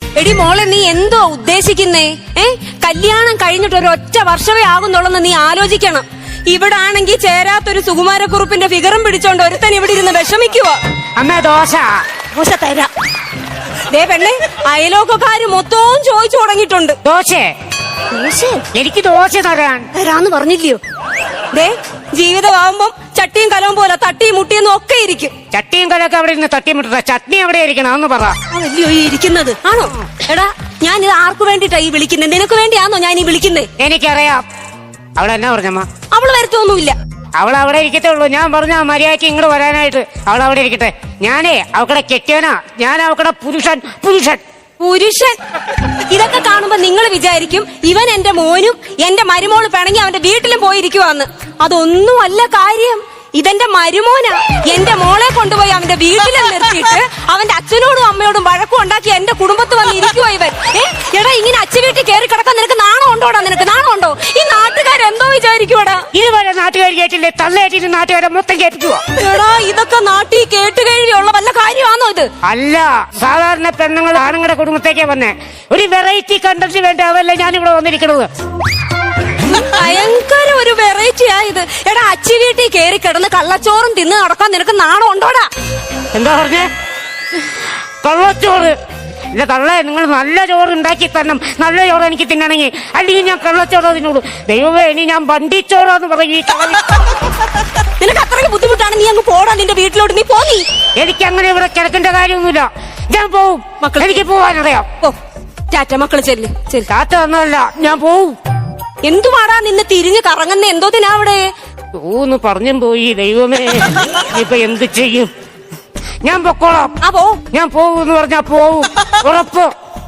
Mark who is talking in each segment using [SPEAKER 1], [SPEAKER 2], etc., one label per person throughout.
[SPEAKER 1] എടി മോളെ, നീ എന്തോ ഉദ്ദേശിക്കുന്നേ? കല്യാണം കഴിഞ്ഞിട്ട് ഒരൊറ്റ വർഷമേ ആകുന്നുള്ളെന്ന് നീ ആലോചിക്കണം. ഇവിടെ ആണെങ്കിൽ ചേരാത്തൊരു സുകുമാരക്കുറുപ്പിന്റെ ഫിഗറും പിടിച്ചോണ്ട് ഒരുത്തൻ ഇവിടെ ഇരുന്ന് വിഷമിക്കുവോ.
[SPEAKER 2] അമ്മ ദോശ
[SPEAKER 1] ദോശ തരാം. ദേ പെണ്ണെ, അയലോക്കക്കാര് മൊത്തവും ചോദിച്ചു തുടങ്ങിയിട്ടുണ്ട്.
[SPEAKER 2] ദോശ എനിക്ക് ദോശ
[SPEAKER 1] തരാന്ന് പറഞ്ഞില്ലയോ? ദേ, ജീവിതമാവുമ്പം ചട്ടിയും കലവും പോലെ തട്ടിയും മുട്ടിയെന്നും ഒക്കെ ഇരിക്കും.
[SPEAKER 2] ചട്ടിയും കലൊക്കെ അവിടെ ഇരുന്ന് തട്ടിമുട്ട, ചട്നി എവിടെ ഇരിക്കണം അതൊന്ന് പറ.
[SPEAKER 1] അതല്ലയോ ഈ ഇരിക്കുന്നത്? ആണോ? എടാ, ഞാൻ ഇത് ആർക്ക് വേണ്ടിട്ടാ ഈ വിളിക്കുന്നത്? നിനക്ക് വേണ്ടിയാണോ ഞാൻ ഈ വിളിക്കുന്നത്?
[SPEAKER 2] എനിക്കറിയാം. അവളെന്നാ പറഞ്ഞമ്മ?
[SPEAKER 1] അവള് വരത്തൊന്നുമില്ല.
[SPEAKER 2] അവൾ അവിടെ ഇരിക്കത്തേ ഉള്ളൂ. ഞാൻ പറഞ്ഞ മര്യാദയ്ക്ക് ഇങ്ങോട്ട് വരാനായിട്ട്. അവൾ അവിടെ ഇരിക്കട്ടെ. ഞാനേ അവക്കടെ കെട്ടിയവനാ. ഞാൻ അവക്കടെ പുരുഷൻ.
[SPEAKER 1] ഇതൊക്കെ കാണുമ്പോ നിങ്ങൾ വിചാരിക്കും ഇവൻ എന്റെ മോനും എന്റെ മരുമോള് പിണങ്ങി അവന്റെ വീട്ടിലും പോയിരിക്കുവാന്ന്. അതൊന്നും അല്ല കാര്യം. ഇതെന്റെ മരുമോനാ. എന്റെ മോളെ കൊണ്ടുപോയി അവന്റെ വീട്ടിലും നിർത്തിയിട്ട് അവന്റെ അച്ഛനോടും അമ്മയോടും വഴക്കും ഉണ്ടാക്കി എന്റെ കുടുംബത്ത് വന്ന് ഇരിക്കുവോ ഇവൻ. എടാ, ഇങ്ങനെ അച്ഛ വീട്ടിൽ കയറി കിടക്കാൻ നിനക്ക് നാണം ഉണ്ടോടാ? നിനക്ക് നാണം ഉണ്ടോ? ഈ നാട്ടുകാരെന്തോ വിചാരിക്കുവാടാ?
[SPEAKER 2] ഇതുവരെ നാട്ടുകാർ കേട്ടില്ലേ? തള്ളേറ്റിട്ട് നാട്ടുകാരെ മൊത്തം കേൾപ്പിക്കുവോ?
[SPEAKER 1] എടാ, ഇതൊക്കെ നാട്ടിൽ കേട്ടുകഴിയുള്ള വല്ല കാര്യമാണോ ഇത്?
[SPEAKER 2] അല്ല, സാധാരണ പെണ്ണുങ്ങൾ ആണുങ്ങളുടെ കുടുംബത്തേക്കേ വന്നേ. ഒരു വെറൈറ്റി കണ്ടന്റ് വേണ്ട അവല്ലേ ഞാനിവിടെ വന്നിരിക്കണത്.
[SPEAKER 1] ഭയങ്കര ഒരു വെറൈറ്റി ആയത്. എടാ, അച്ചി വീട്ടിൽ കയറി കിടന്ന് കള്ളച്ചോറും തിന്ന് നടക്കാൻ നിനക്ക് നാണം ഉണ്ടോടാ?
[SPEAKER 2] എന്താ പറഞ്ഞേ? കള്ളച്ചോറ്? ഇല്ല തള്ളേ, നിങ്ങൾ നല്ല ചോറ് ഉണ്ടാക്കി തരണം. നല്ല ചോറ് എനിക്ക് തിന്നണമെങ്കിൽ. അല്ലെങ്കിൽ ഞാൻ കള്ളച്ചോറോ തിന്നോളൂ. ദൈവമേ, ഇനി ഞാൻ വണ്ടിച്ചോറാന്ന് പറയും.
[SPEAKER 1] നിനക്ക് അത്രയ്ക്ക് ബുദ്ധിമുട്ടാണ്. നീ അങ്ങ് പോടാ നിന്റെ വീട്ടിലോട്ട്. നീ പോയി.
[SPEAKER 2] എനിക്ക് അങ്ങനെ ഇവിടെ കിടക്കേണ്ട കാര്യമൊന്നുമില്ല. ഞാൻ പോവും. എനിക്ക് പോവാനറിയാം.
[SPEAKER 1] ടാറ്റ മക്കള്, ചെല്ല്.
[SPEAKER 2] ടാറ്റ ഒന്നുമല്ല, ഞാൻ പോവും.
[SPEAKER 1] എന്തുവാടാ നിന്നെ തിരിഞ്ഞ് കറങ്ങുന്ന? എന്തോത്തിനാ അവിടെ?
[SPEAKER 2] ഊന്ന് പറഞ്ഞും പോയി. ദൈവമേ, ഇപ്പൊ എന്ത് ചെയ്യും? ഞാൻ പൊക്കോളാം. ഞാൻ പോവൂന്ന് പറഞ്ഞാ പോവും. ഉറപ്പ്.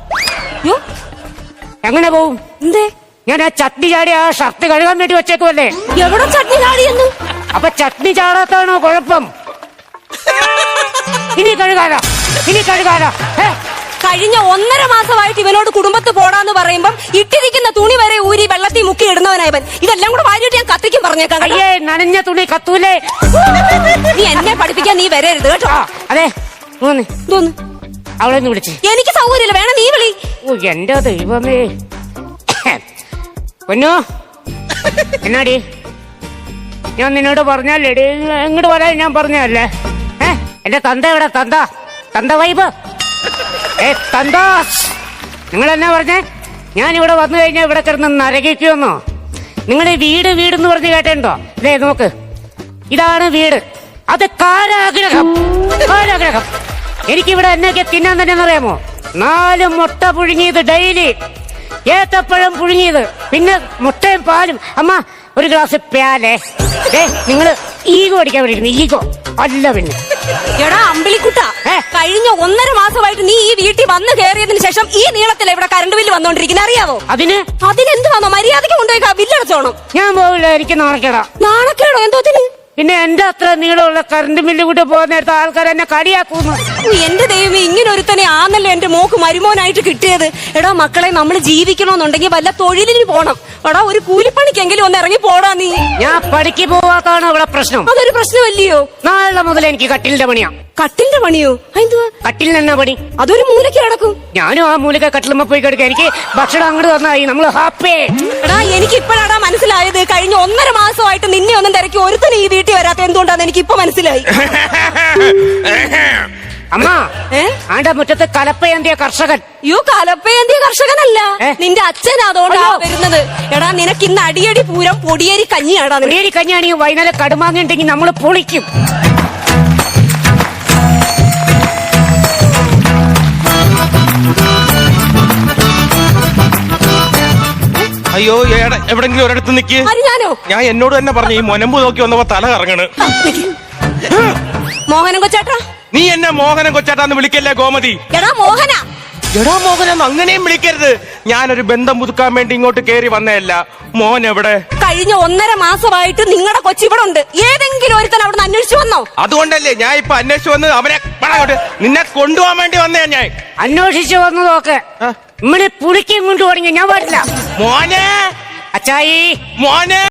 [SPEAKER 2] എങ്ങനെ പോവും?
[SPEAKER 1] എന്തേ?
[SPEAKER 2] ഞാൻ ആ ചട്നി ചാടി ആ ഷർട്ട് കഴുകാൻ വേണ്ടി വെച്ചേക്കുമല്ലേ.
[SPEAKER 1] എവിടെ ചട്നി ചാടിയെന്ന്?
[SPEAKER 2] അപ്പൊ ചട്നി ചാടാത്താണോ കുഴപ്പം? ഇനി കഴുകാലോ.
[SPEAKER 1] കഴിഞ്ഞ 1.5 മാസമായിട്ട് ഇവനോട് കുടുംബത്ത് പോടാന്ന് പറയുമ്പം ഇട്ടിരിക്കുന്ന തുണി വരെ ഊരി വെള്ളത്തിൽ മുക്കി ഇടുന്നവനായവൻ. ഇതെല്ലാം കൂടെ വാരിയിട്ട് ഞാൻ കത്തിക്കും പറഞ്ഞേക്കാം.
[SPEAKER 2] അയ്യേ, നനഞ്ഞ തുണി കത്തൂലേ.
[SPEAKER 1] നീ എന്നെ പഠിപ്പിക്കാൻ നീ വരരുത് കേട്ടോ.
[SPEAKER 2] അതെ, തോന്നു അവളെന്ന് വിളിച്ച്.
[SPEAKER 1] എനിക്ക് സൗകര്യമില്ല, വേണം നീ വിളി.
[SPEAKER 2] ഓ എന്റെ ദൈവമേ. പൊന്നോ, എന്നാടി ഞാൻ നിന്നോട് പറഞ്ഞല്ലേ ഇങ്ങോട്ട് വരാൻ ഞാൻ പറഞ്ഞല്ലേ? എന്റെ തന്ത എവിടെ? തന്ത വൈബ്. തന്താസ്, നിങ്ങൾ എന്നാ പറഞ്ഞേ? ഞാനിവിടെ വന്നു കഴിഞ്ഞാൽ ഇവിടെ കിടന്ന് നരകിക്കുമെന്നോ? നിങ്ങളുടെ വീട് എന്ന് പറഞ്ഞ് കേട്ടോ? ഇതേ നോക്ക്, ഇതാണ് വീട്. അത് കാരാഗ്രഹം. എനിക്കിവിടെ എന്നൊക്കെ തിന്നാൻ തന്നെ അറിയാമോ? 4 മുട്ട പുഴുങ്ങിയത് ഡെയിലി, ഏത്തപ്പഴം പുഴുങ്ങിയത്, പിന്നെ മുട്ടയും പാലും. അമ്മ ഒരു ഗ്ലാസ് പ്യാലേ. നിങ്ങള് ഈഗോ അടിക്കാൻ വേണ്ടിയിരുന്നു. ഈഗോ അല്ല പിന്നെ.
[SPEAKER 1] എടാ അമ്പിളിക്കുട്ട, കഴിഞ്ഞ 1.5 മാസമായിട്ട് നീ ഈ വീട്ടിൽ വന്ന് കയറിയതിനു ശേഷം ഈ നീളത്തിലെ ഇവിടെ കറണ്ട് ബില്ല് വന്നോണ്ടിരിക്കുന്നത് അറിയാവോ? അതിനെന്ത് വന്നോ? മര്യാദയ്ക്ക് കൊണ്ടുപോയി ബില്ലടച്ചോണം.
[SPEAKER 2] ഞാൻ പോവില്ല, എനിക്ക് നാണക്കേടാ.
[SPEAKER 1] നാണക്കേടോ? എന്തോത്തിന്?
[SPEAKER 2] പിന്നെ എന്റെ അത്ര നീളമുള്ള കറണ്ട് ബില്ല് കൂട്ടി പോകുന്ന നേരത്തെ ആൾക്കാർ എന്നെ കളിയാക്കുന്നു.
[SPEAKER 1] എന്റെ ദൈവമേ, ഇങ്ങനെ ഒരുത്തനെ ആന്നല്ലോ എന്റെ മോക്ക് മരുമോനായിട്ട് കിട്ടിയത്. എടാ മക്കളെ, നമ്മൾ ജീവിക്കണമെന്നുണ്ടെങ്കിൽ വല്ല തൊഴിലിന് പോണം. എടാ, ഒരു കൂലിപ്പണിക്കെങ്കിലും ഒന്ന് ഇറങ്ങി പോടാ നീ.
[SPEAKER 2] ഞാൻ പണിക്ക് പോവാത്താണ് ഇവിടെ പ്രശ്നം.
[SPEAKER 1] അതൊരു പ്രശ്നമല്ലയോ?
[SPEAKER 2] നാളെ മുതൽ എനിക്ക് കട്ടിലിന്റെ പണിയാ.
[SPEAKER 1] കട്ടിലിന്റെ പണിയോ? എന്തുവാ
[SPEAKER 2] കട്ടിലിന് എന്നാ പണി?
[SPEAKER 1] അതൊരു മൂലയ്ക്ക് കിടക്കും.
[SPEAKER 2] ഞാനും ആ മൂലയ്ക്ക് കട്ടിലുമ്പോ പോയി കിടക്കുക. എനിക്ക് ഭക്ഷണം അങ്ങോട്ട് തന്നായി, നമ്മള് ഹാപ്പി.
[SPEAKER 1] എടാ, എനിക്ക് ഇപ്പോഴാടാ മനസ്സിലായത്. കഴിഞ്ഞ 1.5 മാസമായിട്ട് നിന്നെ ഒന്നും തിരക്കി ഒരുത്തനും ഈ വീട്ടിൽ വരാത്ത എന്തുകൊണ്ടാന്ന് എനിക്ക് ഇപ്പൊ മനസ്സിലായി.
[SPEAKER 2] അമ്മ, ആണ്ട മുറ്റത്ത് കലപ്പയേന്തിയ കർഷകൻ.
[SPEAKER 1] കലപ്പയേന്തിയ കർഷകനല്ല, നിന്റെ അച്ഛൻ. അതുകൊണ്ടാ വരുന്നത്. എടാ, നിനക്ക് ഇന്ന് അടിയടി പൂരം പൊടിയേരി കഞ്ഞിയാടാ.
[SPEAKER 2] പൊടിയേരി കഞ്ഞിയാണെങ്കിൽ വൈകുന്നേരം കടുമാങ്ങുണ്ടെങ്കിൽ നമ്മള് പൊളിക്കും.
[SPEAKER 3] അയ്യോ, എവിടെങ്കിലും ഒരിടത്ത് നിക്ക്. ഞാൻ എന്നോട് തന്നെ പറഞ്ഞു, ഈ മൊനമ്പ് നോക്കി വന്നപ്പോ തല കറങ്ങണ്.
[SPEAKER 1] മോഹനം കൊച്ചാട്ടാ.
[SPEAKER 3] നീ എന്നെ മോഹനം കൊച്ചാട്ടാന്ന് വിളിക്കല്ലേ ഗോമതി.
[SPEAKER 1] എടാ മോഹന,
[SPEAKER 3] എടാ മോഹനം അങ്ങനെയും വിളിക്കരുത്. ഞാനൊരു ബന്ധം പുതുക്കാൻ വേണ്ടി ഇങ്ങോട്ട് കേറി വന്നതല്ല. മോൻ എവിടെ?
[SPEAKER 1] കഴിഞ്ഞ 1.5 മാസമായിട്ട് നിങ്ങളുടെ കൊച്ചിവിടെ ഉണ്ട്. ഏതെങ്കിലും ഒരുത്തൻ അവിടെ അന്വേഷിച്ചു വന്നോ?
[SPEAKER 3] അതുകൊണ്ടല്ലേ ഞാൻ ഇപ്പൊ അന്വേഷിച്ചു വന്ന് അവനെ നിന്നെ കൊണ്ടുപോകാൻ വേണ്ടി വന്നേ. ഞാൻ
[SPEAKER 2] അന്വേഷിച്ചു വന്നു നോക്ക്. ഇമ്മനെ പുളിക്കും കൊണ്ട് തുടങ്ങി ഞാൻ പാടില്ല.
[SPEAKER 3] മോനെ,
[SPEAKER 2] അച്ചായി
[SPEAKER 3] മോനെ.